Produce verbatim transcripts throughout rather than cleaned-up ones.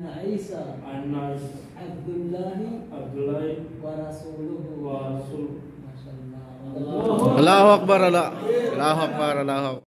Isa Anas Abdullahi Abdullah wa rasuluhu wa Rasul. Masyaallah. Allahu Akbar, Allah. Allahu Akbar, Allahu Akbar.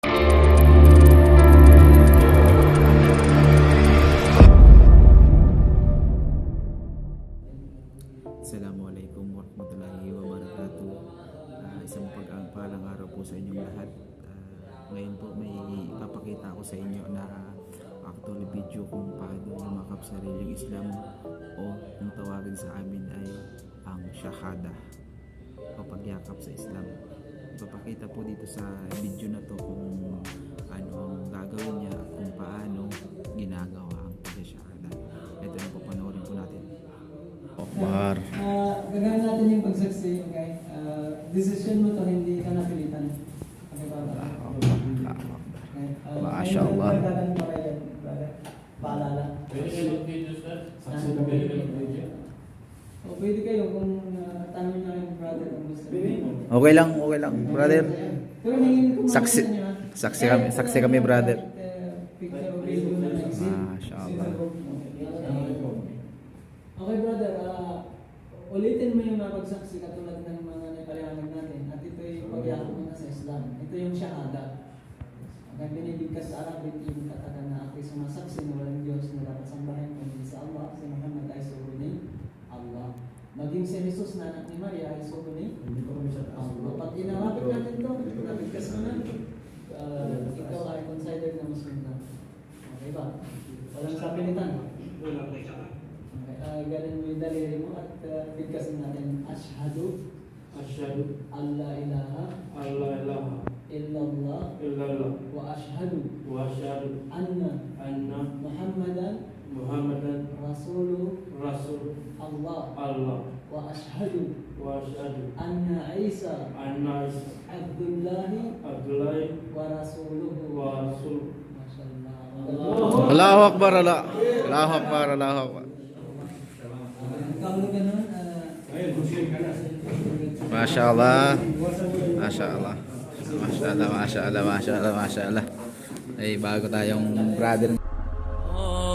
Assalamualaikum warahmatullahi wabarakatuh. Uh, isang pag-palang araw po sa inyong lahat. Uh, ngayon po may ipapakita ko sa inyo na actual video kung paano lumakap sa religyong Islam o kung tawagin sa amin ay ang Shahada o pagyakap sa Islam. Ipapakita po dito sa video na to kung ano ang gagawin niya at kung paano ginagawa ang pag-shahada. Ito na po, panoorin po natin. Akbar. Uh, gagawin natin yung pagsaksi, okay? Uh, decision mo to, hindi ka napilitan. Okay ba? Okay. Uh, Masya Allah. ayun, gagawin pa kayo, brother. Paalala. Pwede kayo mag-video, sir? Saksi na pwede kayo mag-video? O pwede kayo kung uh, tanong niyo yung brother kung gusto. Okay lang, okay lang, brother. Pero hingin ko Saksi- makita niyo, ha? saksi kami- saksi kami, brother. Uh, picture o video na nag-exist. Masya Allah. Okay brother, uh, ulitin mo yung mapagsaksi katulad ng mga naipaliwanag natin at ito yung pagyakap mo na sa Islam. Ito yung Shahada. Ang binibigkas sa Arabic yung katakan na ako'y sumasaksi na walang Diyos na dapat sambahin kundi sa Allah, si Muhammad ay sugo ni Allah. Maging si Jesus na anak ni Maria ay sugo ni Allah. Pag inarapit natin ito, nabigkas mo na, uh, ikaw ay considered na Muslim na. Okay ba? Walang sapilitan. Wala po siya. Uh, ganun mo yung daliri mo at uh, bigkasin natin Ashhadu Asyhadu an la ilaha an la ilaha illallah illallah wa ashhadu wa asyhadu anna anna Muhammadan Muhammadan Rasulu Rasul Allah Allah wa ashhadu wa asyhadu anna Isa anna Abdullahi Abdullah wa rasuluhu wa Rasul. Masyaallah. Allahu Akbar, Allah. Allahu Akbar, Allahu Akbar. Kalau ganun, uh, Masya Allah. Masya Allah. Masya Allah, Masya Allah, Masya Allah, Masya Allah. Ay, bago tayong brother.